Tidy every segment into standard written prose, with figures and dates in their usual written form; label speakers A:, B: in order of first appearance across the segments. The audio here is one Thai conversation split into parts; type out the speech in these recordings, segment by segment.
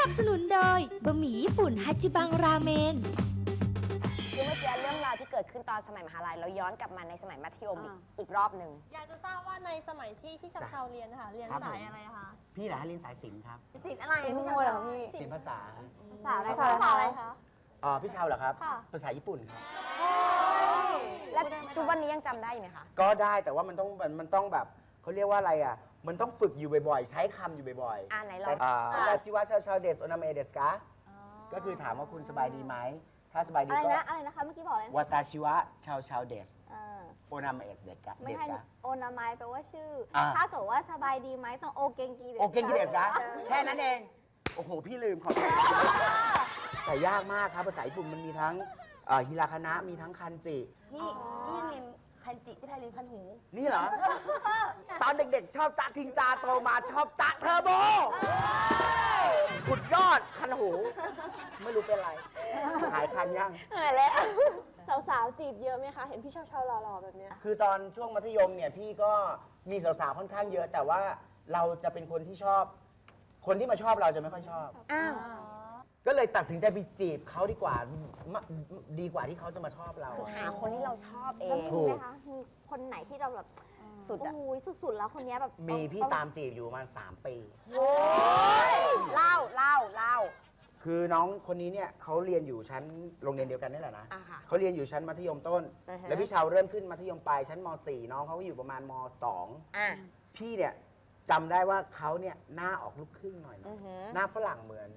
A: นับสนุนโดยบะหมี่ญี่ปุ่นฮัจิบังราเมน
B: คือเมื่อกี้เรื่องราวที่เกิดขึ้นตอนสมัยมหาลัยเราย้อนกลับมาในสมัยมัธยมอีกรอบหนึ่ง
C: อยากจะทราบว่าในสมัยที่พี่เชาเรียนค่ะเรียนสายอะไรคะ
D: พี่เหรอฮะเรียนสายศิลป์ครับ
B: ศิลป์อะไรพี่ชาวพี่
D: ศิลป์ภาษา
B: ภาษาอะไร
C: ภาษาอะไรคะ
D: พี่เชาเหรอครับ
C: ค่ะ
D: ภาษาญี่ปุ่นครับ
B: และทุกวันนี้ยังจำได้อยู่ไหมคะ
D: ก็ได้แต่ว่ามันต้องแบบเขาเรียกว่าอะไรอ่ะมันต้องฝึกอยู่บ่อยๆ ใช้คำอยู่บ่อยๆ
B: ไหนลอง
D: แต่ชิวะชาวเดสโอนาเมเดสกะก็คือถามว่าคุณสบายดีไหมถ้าสบายดี
C: อะไร
D: ก็
C: นะอะไรนะคะเมื่อกี้บอกอะไรนะ
D: วาตาชิวะชาวเดส
C: เออ
D: โอนาเมเดสกะ
C: ไม่ใช่โอนาไมแปลว่าชื่อ ถ้าเกิดว่าสบายดีไหมต้องโอเกงกีเดส
D: โอเคกิเดสกะแค่นั้นเองโอ้โหพี่ลืมขอโทษแต่ยากมากครับภาษาญี่ปุ่นมันมีทั้งฮิราคานะมีทั้งคันจิ
B: พี่ยังเรียนคันจิที่ไทยเรียนคันหู
D: นี่เหรอ ตอนเด็กๆ ชอบจ๊ะทิงจาโตมาชอบจ๊ะเทอร์โบขุดยอดคันหู ไม่รู้เป็นไร หายคันยัง
C: สาวๆจีบเยอะไหมคะ เห็นพี่เชาหล่อๆแบบเนี้ย
D: คือตอนช่วงมัธยมเนี่ย พี่ก็มีสาวๆ ค่อนข้างเยอะ แต่ว่าเราจะเป็นคนที่ชอบ คนที่มาชอบเราจะไม่ค่อยชอบ
B: อ้าว
D: ก็เลยตัดสินใจไปจีบเขาดีกว่าดีกว่าที่เขาจะมาชอบเรา
B: หาคนที่เราชอบเอง
D: ถู
C: มี
D: ก
C: ไหมคะ มีคนไหนที่เราแบบ
B: สุดอะ
C: โอ้ยสุดๆแล้วคนเนี้ยแบบ
D: มีพี่ตามจีบอยู่ประมาณ3 ปี
B: เล่า
D: คือน้องคนนี้เนี่ยเขาเรียนอยู่ชั้นโรงเรียนเดียวกันนี่แหละนะ
B: อ่าค่ะ
D: เขาเรียนอยู่ชั้นมัธยมต้น
B: อือฮะ
D: แล้วพี่ชาวเริ่มขึ้นมัธยมปลายชั้นม .4 น้องเขาก็อยู่ประมาณม
B: อ่ะ
D: .2 พี่เนี่ยจำได้ว่าเขาเนี่ยหน้าออกลูกครึ่งหน่อยนะ
B: อือฮึ
D: หน้าฝรั่งเหมือน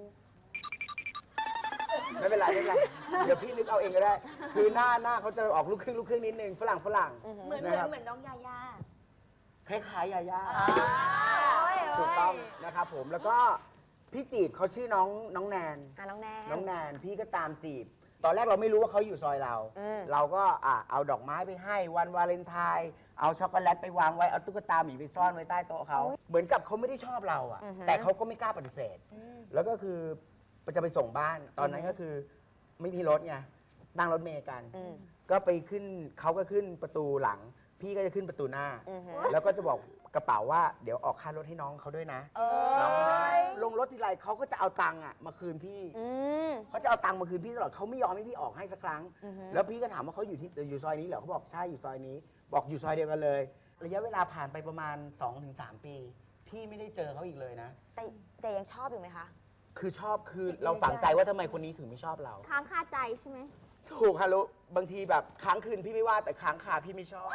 D: ไม่เป็นไรเดี๋ยวพี่นึกเอาเองก็ได้ คือหน้าเขาจะออกลูกครึ่งนิดนึงฝรั่ง
B: เหมือน
D: นะครับ
B: เหมือนน้องยาย่า
D: คล้ายๆยาย่าถูกต้องนะครับผมแล้วก็พี่จีบเขาชื่อน้องแนน
B: น้องแนน
D: น้องแนนพี่ก็ตามจีบ ตอนแรกเราไม่รู้ว่าเขาอยู่ซอยเรา เราก็เอาดอกไม้ไปให้วันวาเลนไทน์เอาช็อกโกแลตไปวางไว้ เอาตุ๊กตาหมีไปซ่อนไว้ใต้โต๊ะเขาเหมือนกับเขาไม่ได้ชอบเราอะแต่เขาก็ไม่กล้าปฏิเสธ แล้วก็คือจะไปส่งบ้าน ตอนนั้นก็คือไม่มีรถไงนั่งรถเมล์กัน ก็ไปขึ้นเขาก็ขึ้นประตูหลัง พี่ก็จะขึ้นประตูหน้า แล้วก็จะบอกกระเป๋าว่าเดี๋ยวออกค่ารถให้น้องเขาด้วยนะน้องลงรถทีไรเขาก็จะเอาตังค์อะมาคืนพี่เขาจะเอาตังค์มาคืนพี่ตลอดเขาไม่ยอมให้พี่ออกให้สักครั้ง แล้วพี่ก็ถามว่าเขาอยู่ซอยนี้เหรอเขาบอกใช่อยู่ซอยนี้ บอกอยู่ซอยเดียวกันเลย ระยะเวลาผ่านไปประมาณ 2-3 ปี พี่ไม่ได้เจอเขาอีกเลยนะ
B: แต่ยังชอบอยู่ไหมคะ
D: คือชอบคือเราฝังใจว่าทำไมคนนี้ถึงไม่ชอบเรา
C: ค้างคาใจใช่ไหม
D: ถูกฮารุบางทีแบบค้างคืนพี่ไม่ว่าแต่ค้างคาพี่ไม่ชอบ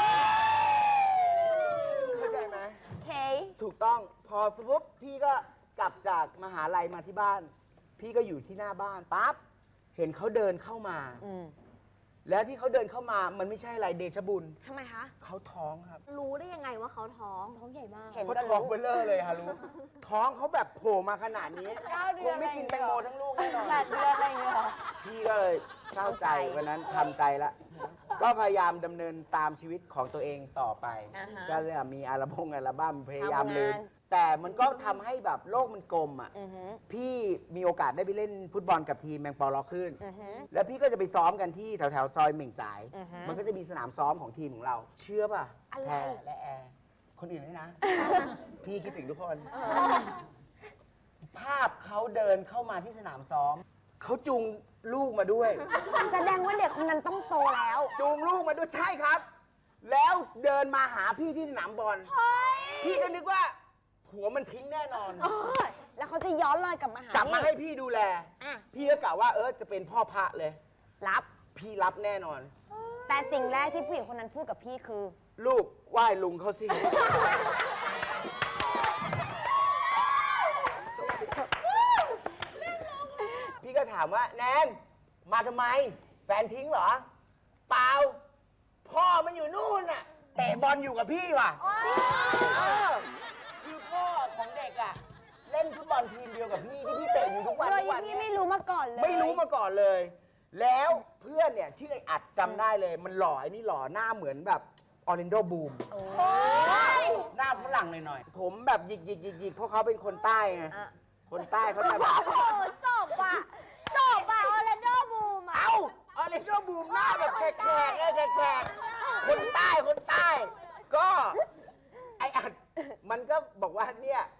D: เข้าใจไหม
B: เค
D: ถูกต้องพอสมมติพี่ก็กลับจากมหาลัยมาที่บ้าน พี่ก็อยู่ที่หน้าบ้านปั๊บเห็นเขาเดินเข้ามา แล้วที่เขาเดินเข้ามามันไม่ใช่อะไรเดชบุญ
B: ทำไมคะ
D: เขาท้องครับ
C: รู้ได้ยังไงว่าเขาท้อง
B: ท้องใหญ่มาก เห็น
D: เขา
B: ก็
D: ท้อง
B: รู้
D: เบลเลอร์เลยฮารุท้องเขาแบบโผล่มาขนาดนี้
B: 9 เดื
D: ค
B: อน
D: งไม่กินแตงโมทั้งลูกแน่นอน
B: 8 เดือนอะไรอย่างเงี้ยเหรอ
D: พี่ก็เลยเศร้าใจวันนั้นทำใจละก็พยายามดำเนินตามชีวิตของตัวเองต่อไป ก็เลยมีอัลบั้มพยายามลืม แต่มันก็ทำให้แบบโลกมันกลมอ่ะพี่มีโอกาสได้ไปเล่นฟุตบอลกับทีมแมงปอล็อกขึ้น แล้วพี่ก็จะไปซ้อมกันที่แถวๆซอยเหม่งจ่าย มันก็จะมีสนามซ้อมของทีมของเรา เชื่อป่ะแพรและแอร์คนอื่นด้วยนะ พี่คิดถึงทุกคน ภาพเขาเดินเข้ามาที่สนามซ้อม เขาจูงลูกมาด้วย
B: แสดงว่าเด็กคนนั้นต้องโตแล้ว
D: จูงลูกมาด้วยใช่ครับ แล้วเดินมาหาพี่ที่สนามบอลพี่ก็นึกว่าผัวมันทิ้งแน่นอน
B: แล้วเขาจะย้อนรอยกลับมาหาก
D: ลับมาให้
B: พี่
D: พี่ดูแล
B: อ่ะ
D: พี่ก็กะว่าจะเป็นพ่อพระเลย
B: รับ
D: พี่รับแน่นอน
B: แต่สิ่งแรกที่ผู้หญิงคนนั้นพูดกับพี่คือ
D: ลูกไหว้ลุงเขาสิ พี่ก็ถามว่าแนนมาทำไม แฟนทิ้งเหรอ เปล่า พ่อมันอยู่นู่นน่ะเตะบอลอยู่กับพี่ว่ะคือพ่อของเด็กอ่ะ เล่นฟุตบอลทีมเดียวกับพี่ที่พี่เตะอยู่ทุกวัน
B: โดย
D: ทุกวัน
B: ที่
D: เนี่ย
B: ไม่รู้มาก่อนเลย
D: ไม่รู้มาก่อนเลย แล้วเพื่อนเนี่ยชื่อไอ้อัดจำได้เลย มันหล่อไอ้นี่หล่อหน้าเหมือนแบบออร์แลนโดบูมหน้าฝรั่งหน่อยๆ ผมแบบหยิกเพราะเขาเป็นคนใต้ไง คนใต้เขาจะแบบ
C: โอ้จบอ่ะออร์แลนโดบูมอ่ะ
D: เอ้าออร์แลนโดบูมหน้าแบบแขกๆเลยแขกๆคนใต้ ก็ ไอ้อัดมันก็บอกว่าเนี่ยแฟ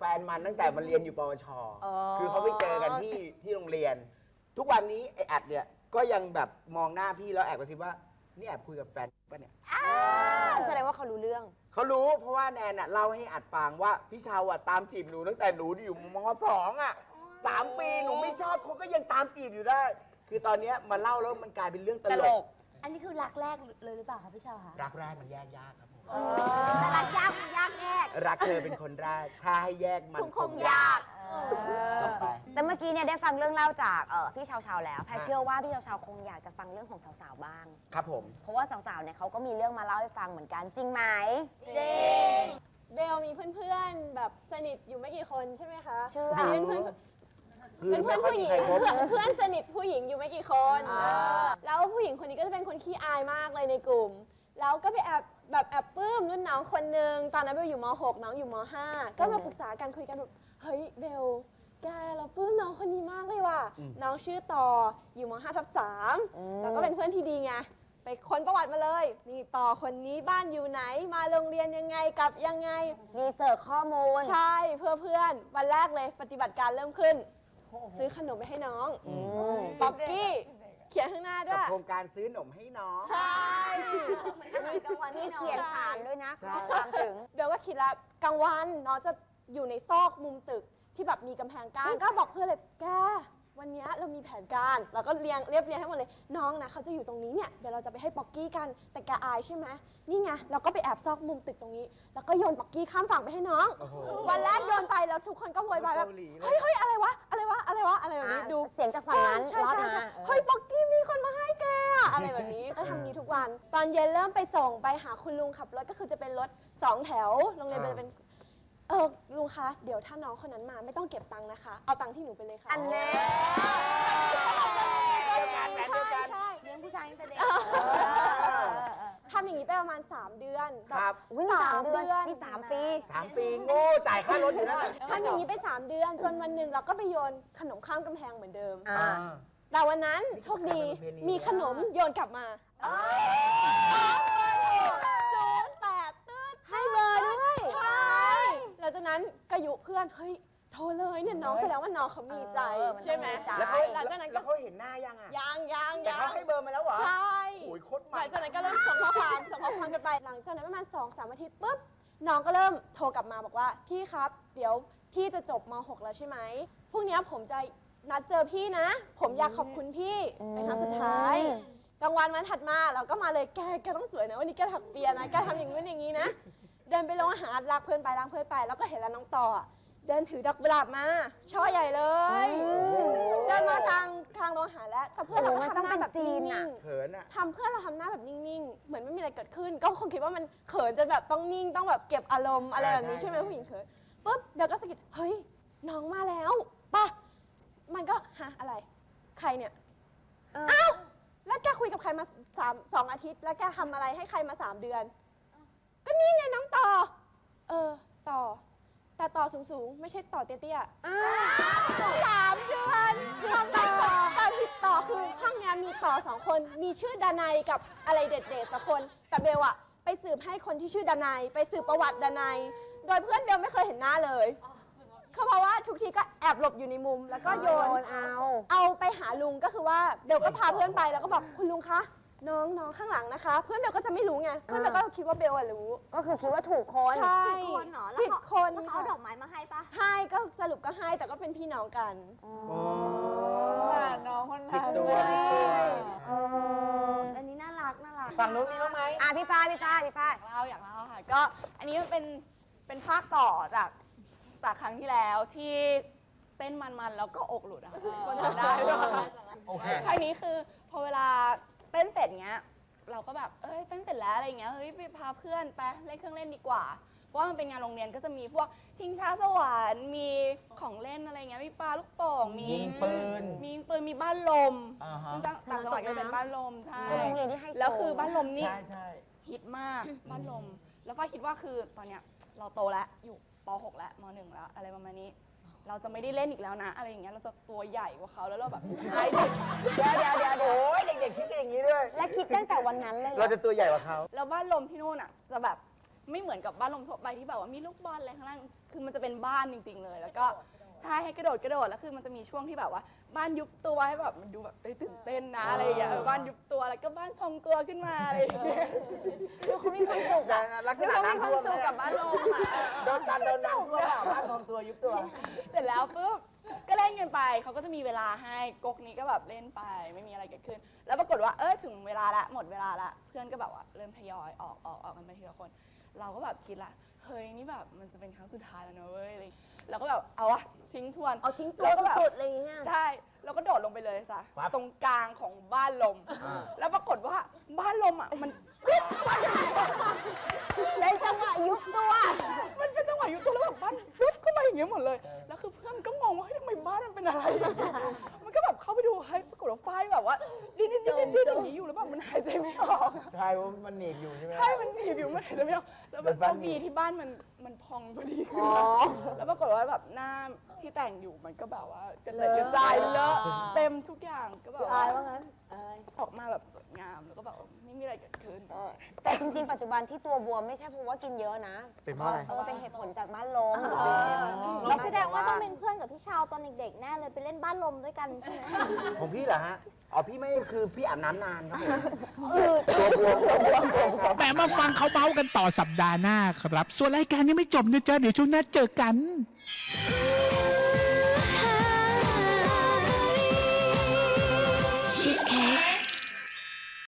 D: ฟนมันตั้งแต่มันเรียนอยู่ปวช คือเขาไปเจอกันที่โรงเรียน ทุกวันนี้ไอ้อัดเนี่ยก็ยังแบบมองหน้าพี่แล้วแอบกระซิบว่านี่แอบคุยกับแฟนป่ะเนี่ย
B: แสดงว่าเขารู้เรื่อง
D: เขารู้เพราะว่าแนนน่ะเล่าให้อัดฟังว่าพี่ชาวอ่ะตามจีบหนูตั้งแต่หนูอยู่ม.2 อ่ะ3 ปีหนูไม่ชอบเขาก็ยังตามจีบอยู่ได้ คือตอนเนี้ยมาเล่าแล้วมันกลายเป็นเรื่องตลก
A: อันนี้คือรักแรกเลยหรือเปล่าคะพี่ชาวคะ
D: รักแรกมันแยกยากครับผม
C: แต่รักยากมันยากแยก
D: รักเธอเป็นคนแรกถ้าให้แยกมัน
C: คงยาก
D: จบไป
B: แต่เมื่อกี้เนี่ยได้ฟังเรื่องเล่าจากพี่ชาวๆแล้วแพรเชื่อว่าพี่ชาวๆคงอยากจะฟังเรื่องของสาวๆบ้าง
D: ครับผม
B: เพราะว่าสาวๆเนี่ยเขาก็มีเรื่องมาเล่าให้ฟังเหมือนกันจริงไหม
C: จริง เบลมีเพื่อนๆแบบสนิทอยู่ไม่กี่คนใช่ไหมคะ
B: ชื่อ
C: อันนี้เป็นเพื่อนผู้หญิงเพื่อนสนิทผู้หญิงอยู่ไม่กี่คนแล้วผู้หญิงคนนี้ก็จะเป็นคนขี้อายมากเลยในกลุ่ม แล้วก็ไปแอบปลื้มรุ่นน้องคนนึงตอนนั้นเบลอยู่ม.6 น้องอยู่ม.5 ก็มาปรึกษากันคุยกันแบบเฮ้ยเบลแกเราปลื้มน้องคนนี้มากเลยว่ะน้องชื่อต่ออยู่ม.5/3แล้วก็เป็นเพื่อนที่ดีไงไปค้นประวัติมาเลยนี่ต่อคนนี้บ้านอยู่ไหนมาโรงเรียนยังไงกลับยังไง
B: รีเสิร์ชข้อมูล
C: ใช่เพื่อนวันแรกเลยปฏิบัติการเริ่มขึ้น ซื้อขนมไปให้น้องป๊อกกี้เขียนข้างหน้าด้
D: กับ
C: วย
D: โครงการซื้อหนมให้น้อง
C: ใช่
B: มีกลางวันนี่เขียนสารด้วยนะ
D: ใช่
B: ข้อความถึง
C: เบลก็คิดแล้วกลางวันน้องจะอยู่ในซอกมุมตึกที่แบบมีกำแพงกั้นก็บอกเพื่อนเลยแกวันนี้เรามีแผนการเราก็เรียบเรียงให้หมดเลยน้องนะเขาจะอยู่ตรงนี้เนี่ยเดี๋ยวเราจะไปให้ป๊อกกี้กันแต่แกอายใช่ไหมนี่ไงเราก็ไปแอบซอกมุมตึกตรงนี้ แล้วก็โยนป๊อกกี้ข้ามฝั่งไปให้น้อง
D: โอ้โห
C: วันแรกโยนไปแล้วทุกคนก็โวยวายแบบ
D: เกาหลีเลย
C: เฮ้ยอะไรวะอะไรแบบนี้ดู
B: เสียงจากฝั่งนั้น
C: ใช่
B: รอด
C: ใช่
B: มา
C: ใช่เฮ้ยป๊อกกี้มีคนมาให้แกอะอะไรแบบนี้ก็ทำนี้ทุกวัน ตอนเย็นเริ่มไปส่งไปหาคุณลุงขับรถก็คือจะเป็นรถ2 แถวโรงเรียนเป็นลุงคะเดี๋ยวถ้าน้องคนนั้นมาไม่ต้องเก็บตังค์นะคะเอาตังค์ที่หนูไปเลยค่ะ
B: อันแน่
D: เดียวกันแบบเดียวกัน
C: ใช่
A: เลี้ยงผู้ชายตั้งแต่เด็ก
C: ทำอย่างนี้ไปประมาณ3 เดือน
D: ครับ
B: วิ่ง3 เดือนนี่3 ปี
D: 3 ปีโง่จ่ายค่ารถอยู่นั่นแหละ
C: ทำอย่างนี้ไป3 เดือน จนวันหนึ่งเราก็ไปโยนขนมข้ามกำแพงเหมือนเดิม
B: อ่า
C: แต่วันนั้นโชคดีมีขนมโยนกลับมา08ตืดให้เบอร์ด้วยใช่หลังจากนั้นก็ยุเพื่อนเฮ้ยโทรเลยเนี่ยน้องแสดงว่าน้องเขามีใจใช่ไหม
D: แล้วเขา
C: หลังจากนั้น
D: แล้
C: ก็
D: วเขาเห็นหน้ายังอ่ะ
C: ยัง
D: แต่เขาให้เบอร์มาแล้วเหรอ
C: ใช่
D: โอ้ยโคตร
C: ห
D: มั
C: ลั
D: น
C: งจากนั้นก็เริ่มส่งข้อความกันไปหลังจากนั้นประมาณ2-3 อาทิตย์ปุ๊บน้องก็เริ่มโทรกลับมาบอกว่าพี่ครับเดี๋ยวพี่จะจบม.6 แล้วใช่ไหมพรุ่งนี้ผมจะนัดเจอพี่นะ ผมอยากขอบคุณพี่เป็นครั้งสุดท้ายกลางวันวันถัดมาเราก็มาเลยแกต้องสวยนะวันนี้แกถักเปียนะแกทำอย่างนู้นอย่างนี้นะเดินไปโรงอาหารรักเพื่อนไปแล้วก็เห็นแล้วน้องต่ออะเดินถือดอกกุหลาบมาช่อใหญ่เลยเดินมากลางโรงอาหารแล้วแต่เพื่อนเราก็ทำหน้าแบบนิ่งๆ
D: เขินอ่ะ
C: เพื่อนเราทำหน้าแบบนิ่งๆ เหมือนไม่มีอะไรเกิดขึ้น ก็คงคิดว่ามันเขินจนแบบต้องนิ่งต้องแบบเก็บอารมณ์อะไรแบบนี้
D: ใช่
C: ใช่ไหมผู้หญิงเขินปุ๊บเดี๋ยวก็สะกิดเฮ้ยน้องมาแล้วป่ะมันก็ฮะอะไรใครเนี่ยอ้าวแล้วแกคุยกับใครมา2 อาทิตย์ แล้วแกทำอะไรให้ใครมา3 เดือน ก็นี่ไงน้องต่อต่อแต่ต่อสูงๆ ไม่ใช่ต่อเตี้ยๆ3 เดือนทำไมต่อผิดต่อคือห้องเนี้ยมีต่อ2 คนมีชื่อดนัยกับอะไรเด็ดๆสักคนแต่เบลอะไปสืบให้คนที่ชื่อดนัยไปสืบประวัติดนัยโดยเพื่อนเบลไม่เคยเห็นหน้าเลยเขาเพราะว่าทุกทีก็แอบหลบอยู่ในมุมแล้วก็โยนเอาไปหาลุงก็คือว่าเบลก็พาเพื่อนไปแล้วก็บอกคุณลุงคะน้องข้างหลังนะคะ เพื่อนเบลก็จะไม่รู้ไงเพื่อนเบลก็คิดว่าเบลอะรู้
B: ก็คือคิดว่าถูกคน
C: ใช่
E: ผิดคนเหรอ
C: ผิดคน
E: แล้วเขาเอาดอกไม้มาให้ปะ
C: ให้ก็สรุปก็ให้แต่ก็เป็นพี่น้องกัน
F: น้องคน
D: ผิด
F: นั้น
D: ตัวผิดตัว
A: อันนี้น่ารัก
D: ฝั่งนู้นมีบ้างไหม
B: พี่ฝ้าย
F: อยากเล่าค่ะ ก็อันนี้มันเป็นภาคต่อจากครั้งที่แล้วที่เต้นมันๆแล้วก็อกหลุดอะคนทำได้ด้วย
D: โอเค
F: ครั้งนี้คือพอเวลาเต้นเสร็จเงี้ยเราก็แบบเต้นเสร็จแล้วอะไรเงี้ยเฮ้ยไปพาเพื่อนไปเล่นเครื่องเล่นดีกว่าเพราะว่ามันเป็นงานโรงเรียนก็จะมีพวกชิงช้าสวรรค์มีของเล่นอะไรเงี้ยมีปลาลูกโป่งมี
D: ยิงปืน
F: มีบ้านลม
D: อ่าฮะ
F: ต่างจังหวัดก็เป็นบ้านลมใช่
B: โรงเรียนที่ให้โซ
F: แล้วคือบ้านลมนี่
D: ใช่ใช่
F: ฮิตมากบ้านลม แล้วฝ้ายคิดว่าคือตอนเนี้ยเราโตแล้วอยู่ป .6 แล้วม .1 แล้วอะไรประมาณนี้ เราจะไม่ได้เล่นอีกแล้วนะ อะไรอย่างเงี้ยเราจะตัวใหญ่กว่าเขาแล้วเราแบบไอ้เด็ก
B: เดี๋ยว
D: โอ้ยเด็กๆคิดกันอย่างนี้ด้วย
B: และคิดตั้งแต่วันนั้นเลยเหร
D: เรา
B: อ
D: จะตัวใหญ่กว่าเขา
F: แล้วบ้านลมที่นู่นอ่ะจะแบบไม่เหมือนกับบ้านลมทั่วไปที่แบบว่ามีลูกบอลอะไรข้างล่างคือมันจะเป็นบ้านจริง ๆ เลย แล้วก็ใช่ให้กระโดดแล้วคือมันจะมีช่วงที่แบบว่าบ้านยุบตัวให้แบบมันดูแบบตื่นเต้นนะอะไรอย่างเงี้ยบ้านยุบตัวแล้วก็บ้านพองตัวขึ้นมาอะไรอย่างเงี้ย
B: ดูเขามีความสุขอะ
D: ลักษณะน้ำท่วม
B: ดูเขามีความสุขกับบ้านลมอะ
D: โดนน้ำท่วมเปล่าบ้านพองตัวยุบตัว
F: เสร็จแล้วปุ๊บก็เล่นกันไปเขาก็จะมีเวลาให้ก๊กนี้ก็แบบเล่นไปไม่มีอะไรเกิดขึ้น แล้วปรากฏว่าถึงเวลาละหมดเวลาละเพื่อนก็แบบว่าเริ่มทยอยออกกันไปทีละคน เราก็แบบคิดละเฮ้ยนี่แบบมันจะเป็นครั้งสุดท้ายแล้วนะเว้ยอะไรเราก็แบบเอาวะทิ้งทวน
B: เอาทิ้งตัว
F: แล้วก็แบบ
B: สุดๆอะไรอย่างเงี้ย
F: ใช่แล้วก็โดดลงไปเลยจ้ะ
D: ครับ
F: ตรงกลางของบ้านลม แล้วปรากฏว่าบ้านลมอ่ะมัน
B: ในจังหวะยุบตัว
F: มันเป็นจังหวะยุบตัวแล้วแบบบ้านยุบเข้ามาอย่างเงี้ยหมดเลย แล้วคือเพื่อนก็งงว่าเฮ้ยทำไมบ้านมันเป็นอะไรอย่างเงี้ยมันก็แบบเข้าไปดูเฮ้ยปรากฏว่าไฟแบบว่าดิ้นอย่างนี้อยู่แล้วแบบมันหายใจไม่ออก
D: ใช่ว่ามันหนีบอยู่ใช่ไหม
F: ใช่มันหนีบอยู่มันหายใจไม่ออกแล้วแบบโชคดีที่บ้านมันพองพอดีแล้วปรากฏว่าแบบหน้าที่แต่งอยู่มันก็แบบว่ากระจายเลอะเต็มทุกอย่างก็แบบ
B: อายว่างั้น
F: ออกมาแบบสวยงามแล้วก็แบบไม่มีอะไรเกิดขึ้น
B: แต่จริงๆ ปัจจุบันที่ตัวบวมไม่ใช่เพราะว่ากินเยอะนะ
D: เป็นเพราะอะไร
B: เป็นเหตุผลจากบ้านลม
C: เราแสดงว่าต้องเป็นเพื่อนกับพี่ชาวตอนเด็กๆแน่เลยไปเล่นบ้านลมด้วยกันใช่ไหม
D: ของพี่เหรอฮะ อ๋อพี่ไม่คือพี่อาบน้ำนานครับผมตัวบวม
E: แหมมาฟังเขาเบ้ากันต่อสัปดาห์หน้าครับ ส่วนรายการยังไม่จบนะจ๊ะ เดี๋ยวช่วงหน้าเจอกัน
D: โ